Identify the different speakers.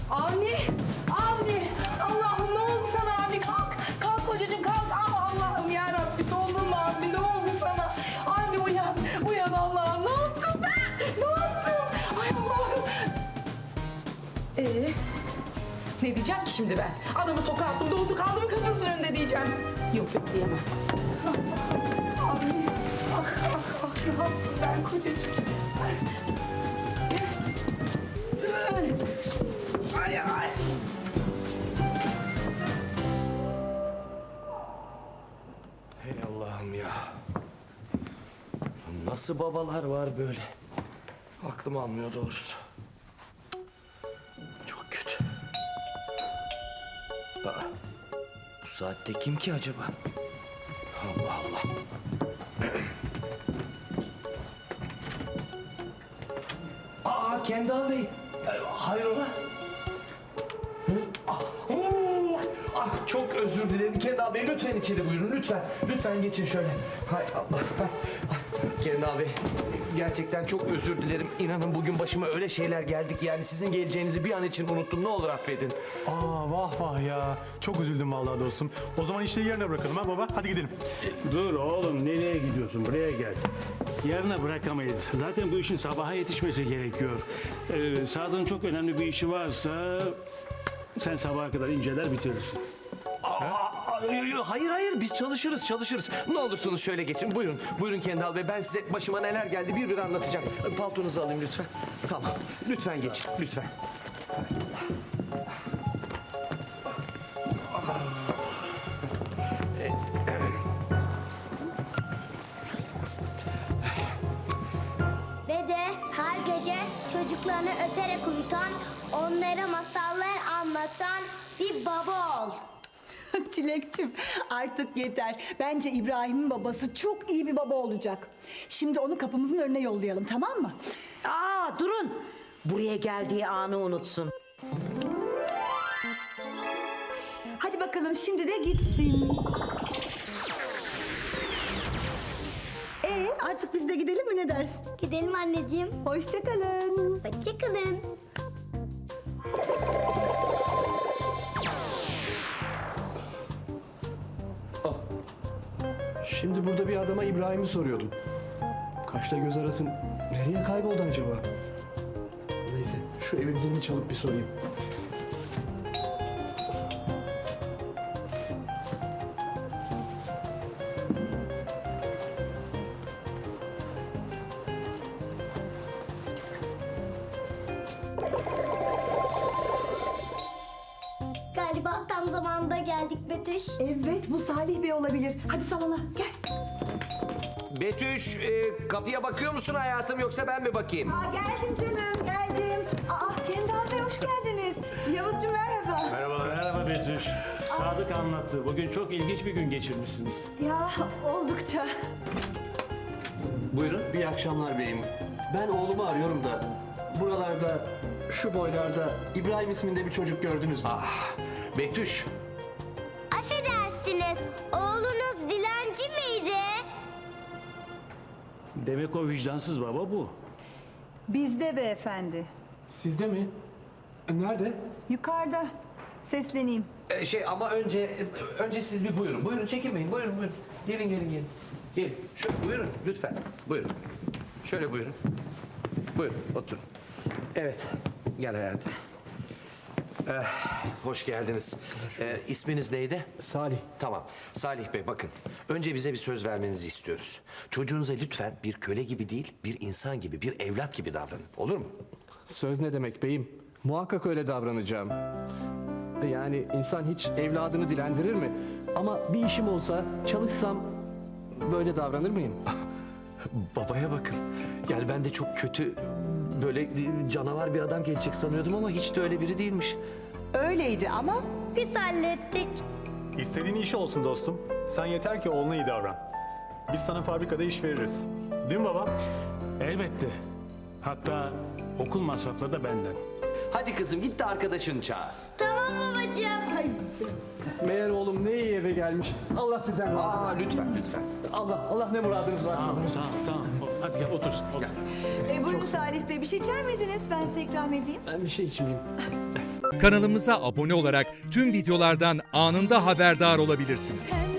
Speaker 1: Avni! Avni! Allah'ım ne oldu sana Avni? Kalk! Kalk kocacığım kalk! Ama Allah'ım yarabbim dondun mu Avni? Ne oldu sana? Avni uyan! Uyan Allah'ım! Ne yaptım ben? Ne yaptım? Ay Allah'ım! Ne diyeceğim ki şimdi ben? Adamı sokağa attım, dondu kaldı mı kapınızın önünde diyeceğim. Yok yok diyemem. Avni! Ah ah ah ne yaptım ben kocacığım? Ay ay!
Speaker 2: Hey Allah'ım ya. Nasıl babalar var böyle? Aklım almıyor doğrusu. Çok kötü. Aa, bu saatte kim ki acaba? Allah Allah. Aa Kendal Bey. Hayrola? Çok özür dilerim Kendal Bey. Lütfen içeri buyurun. Lütfen. Lütfen geçin şöyle. Hay Allah. Kendal Bey. Gerçekten çok özür dilerim. İnanın bugün başıma öyle şeyler geldik. Yani sizin geleceğinizi bir an için unuttum. Ne olur affedin.
Speaker 3: Aa vah vah ya. Çok üzüldüm vallahi dostum. O zaman işleri yerine bırakalım ha baba. Hadi gidelim.
Speaker 4: Dur oğlum nereye gidiyorsun? Buraya gel. Yarına bırakamayız. Zaten bu işin sabaha yetişmesi gerekiyor. Sadık'ın çok önemli bir işi varsa sen sabaha kadar inceler bitirirsin.
Speaker 2: Hayır hayır biz çalışırız. Ne olursunuz şöyle geçin. Buyurun. Buyurun Kendal Bey. Ben size başıma neler geldi bir anlatacağım. Paltonuzu alayım lütfen. Tamam. Lütfen geçin. Lütfen.
Speaker 5: Ve de her gece çocuklarını öperek uyutan, onlara masallar anlatan bir baba ol.
Speaker 6: Çilekçim artık yeter. Bence İbrahim'in babası çok iyi bir baba olacak. Şimdi onu kapımızın önüne yollayalım, tamam mı?
Speaker 7: Aa durun. Buraya geldiği anı unutsun.
Speaker 6: Hadi bakalım şimdi de gitsin. Artık biz de gidelim mi, ne dersin?
Speaker 5: Gidelim anneciğim.
Speaker 6: Hoşça kalın.
Speaker 5: Hoşçakalın.
Speaker 8: Şimdi burada bir adama İbrahim'i soruyordum. Kaşla göz arasın nereye kayboldu acaba? Neyse şu evin zilini çalıp bir sorayım.
Speaker 5: Galiba tam zamanında geldik Betüş.
Speaker 6: Evet, bu Salih Bey olabilir. Hadi salona gel.
Speaker 2: Betüş kapıya bakıyor musun hayatım yoksa ben mi bakayım?
Speaker 6: Geldim canım, geldim. Kendal Bey hoş geldiniz. Yavuzcuğum merhaba.
Speaker 4: Merhaba Betüş. Sadık anlattı. Bugün çok ilginç bir gün geçirmişsiniz.
Speaker 6: Ya oldukça.
Speaker 2: Buyurun.
Speaker 8: İyi akşamlar beyim. Ben oğlumu arıyorum da buralarda şu boylarda İbrahim isminde bir çocuk gördünüz mü?
Speaker 2: Betüş.
Speaker 5: Affedersiniz, oğlunuz dilenci miydi?
Speaker 4: Demek o vicdansız baba bu.
Speaker 6: Bizde beyefendi.
Speaker 8: Sizde mi? Nerede?
Speaker 6: Yukarıda. Sesleneyim.
Speaker 2: Ama önce siz bir buyurun. Buyurun çekinmeyin. Buyurun. Gelin. Gelin. Şöyle buyurun lütfen. Buyurun. Şöyle buyurun. Buyurun oturun. Evet. Gel hayatım. Hoş geldiniz. İsminiz neydi?
Speaker 8: Salih.
Speaker 2: Tamam. Salih Bey bakın. Önce bize bir söz vermenizi istiyoruz. Çocuğunuza lütfen bir köle gibi değil, bir insan gibi, bir evlat gibi davranın. Olur mu?
Speaker 8: Söz ne demek beyim? Muhakkak öyle davranacağım. Yani insan hiç evladını dilendirir mi? Ama bir işim olsa, çalışsam böyle davranır mıyım?
Speaker 2: Babaya bakın. Yani ben de çok kötü, böyle canavar bir adam gelecek sanıyordum ama hiç de öyle biri değilmiş.
Speaker 6: Öyleydi ama
Speaker 5: Biz hallettik.
Speaker 3: İstediğin iş olsun dostum. Sen yeter ki oğluna iyi davran. Biz sana fabrikada iş veririz. Değil mi baba?
Speaker 4: Elbette. Hatta okul masrafları da benden.
Speaker 2: Hadi kızım git de arkadaşını çağır.
Speaker 5: Tamam babacığım.
Speaker 8: Meğer oğlum ne iyi eve gelmiş. Allah sizden razı olsun.
Speaker 2: Lütfen.
Speaker 8: Allah ne muradınız varsa.
Speaker 4: Tamam. Hadi gel otur.
Speaker 2: Gel.
Speaker 6: buyurun Salih Bey, bir şey içer miydiniz? Ben size ikram edeyim.
Speaker 8: Ben bir şey içmeyeyim.
Speaker 9: Kanalımıza abone olarak tüm videolardan anında haberdar olabilirsiniz.
Speaker 10: Pembe